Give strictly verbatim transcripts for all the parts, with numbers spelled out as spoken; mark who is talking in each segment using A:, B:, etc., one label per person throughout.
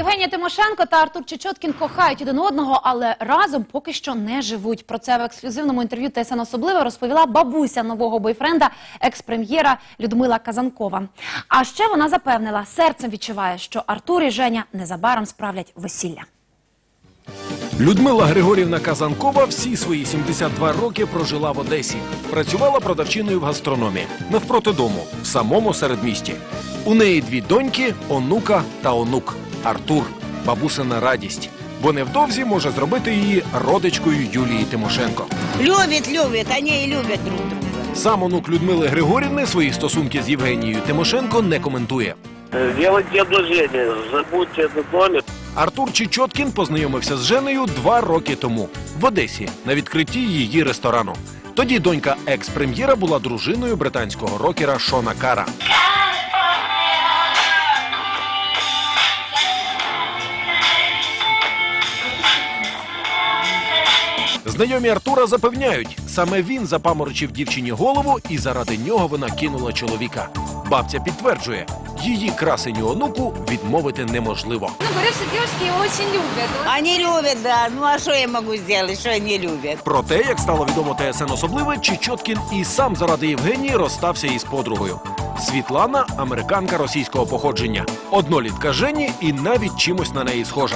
A: Євгенія Тимошенко та Артур Чечоткін кохають один одного, але разом поки що не живуть. Про це в ексклюзивному інтерв'ю ТСН «Особливе» розповіла бабуся нового бойфренда, екс-прем'єра Людмила Казанкова. А ще вона запевнила, серцем відчуває, що Артур і Женя незабаром справлять весілля.
B: Людмила Григорівна Казанкова всі свої сімдесят два роки прожила в Одесі. Працювала продавчиною в гастрономі, навпроти дому, в самому середмісті. У неї дві доньки, онука та онук. Артур – бабусина радість, бо невдовзі може зробити її родичкою Юлії Тимошенко.
C: Любить, любить, вони і люблять друг друга.
B: Сам онук Людмили Григорівни свої стосунки з Євгенією Тимошенко не коментує.
D: Делайте одолжение, забудьте этот номер.
B: Артур Чечоткін познайомився з Женею два роки тому в Одесі на відкритті її ресторану. Тоді донька екс-прем'єра була дружиною британського рокера Шона Кара. Знайомі Артура запевняють, саме він запаморочив дівчині голову і заради нього вона кинула чоловіка. Бабця підтверджує, її красеню онуку відмовити неможливо.
E: Ну, говорят, что девушки его очень любят.
C: Вони люблять, да. Ну а що я можу зробити, що вони люблять?
B: Проте, як стало відомо ТСН «Особливе», Чечоткін і сам заради Євгенії розстався із подругою. Світлана – американка російського походження. Однолітка Жені і навіть чимось на неї схожа.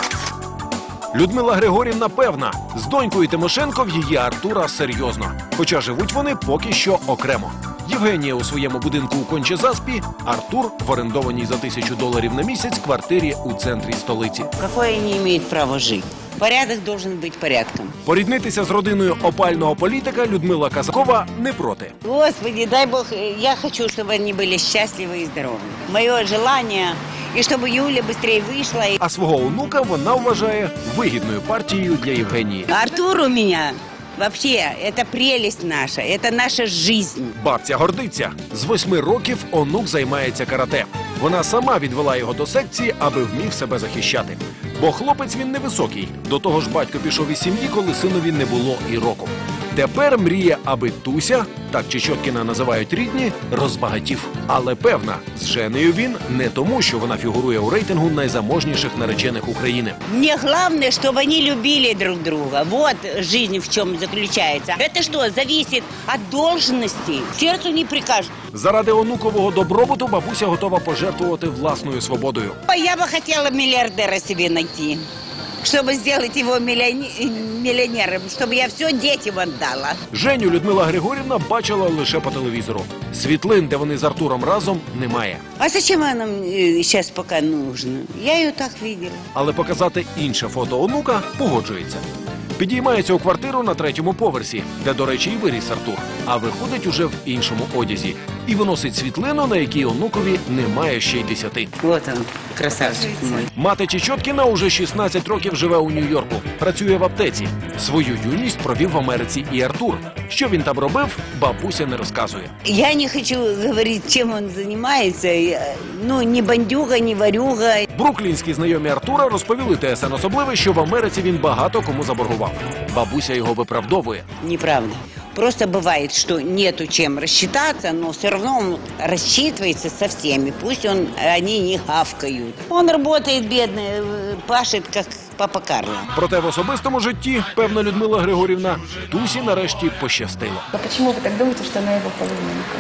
B: Людмила Григорівна певна, з донькою Тимошенко в її Артура серйозно. Хоча живуть вони поки що окремо. Євгенія у своєму будинку у Конча-Заспі, Артур в орендованій за тисячу доларів на місяць квартирі у центрі столиці.
C: Какое вони мають право жити? Порядок должен бути порядком.
B: Поріднитися з родиною опального політика Людмила Казанкова не проти.
C: Господи, дай Бог, я хочу, щоб вони були щасливі і здорові. Моє бажання, і щоб Юля швидше вийшла.
B: А свого онука вона вважає вигідною партією для Євгенії.
C: Артур у мене, вообще, це прелість наша, це наша життя.
B: Бабця гордиться. З восьми років онук займається карате. Вона сама відвела його до секції, аби вмів себе захищати. Бо хлопець він невисокий. До того ж батько пішов із сім'ї, коли синові не було і року. Тепер мріє, аби Туся, так Чечоткіна називають рідні, розбагатів. Але певна, з Женею він не тому, що вона фігурує у рейтингу найзаможніших наречених України.
C: Мне главное, чтобы они любили друг друга. Вот жизнь в чем заключается. Это что, зависит от должности? Сердцу не прикажешь.
B: Заради онукового добробуту бабуся готова пожертвувати власною свободою.
C: Я бы хотела миллиардера себе найти, чтобы сделать его миллионером, чтобы я все детям отдала.
B: Женю Людмила Григорівна бачила лише по телевізору. Світлин, де вони з Артуром разом, немає.
C: А зачем она мне сейчас пока нужна? Я ее так видела.
B: Але показати інше фото онука погоджується. Підіймається у квартиру на третьому поверсі, де, до речі, і виріс Артур, а виходить уже в іншому одязі. І виносить світлину, на якій онукові немає ще й десяти.
C: Вот он, красавчик мой.
B: Мати Чечоткіна уже шістнадцять років живе у Нью-Йорку. Працює в аптеці. Свою юність провів в Америці і Артур. Що він там робив, бабуся не розказує.
C: Я не хочу говорить, чим він займається. Ну, ні бандюга, ні варюга.
B: Бруклінські знайомі Артура розповіли ТСН «Особливе», що в Америці він багато кому заборгував. Бабуся його виправдовує.
C: Неправда. Просто бывает, что нету чем рассчитаться, но все равно он рассчитывается со всеми. Пусть он, они не гавкают. Он работает, бедный, пашет, как папа Карло.
B: Проте в особистому житті, певна Людмила Григорівна, Тусі нарешті пощастило.
E: А почему вы так думаете, что она его половинка?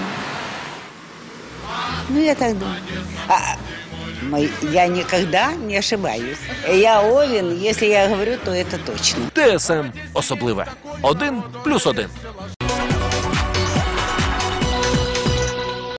C: Ну, я так думаю. А, мой, я никогда не ошибаюсь. Я Овен, если я говорю, то это точно.
B: ТСН «Особливе». Один плюс один.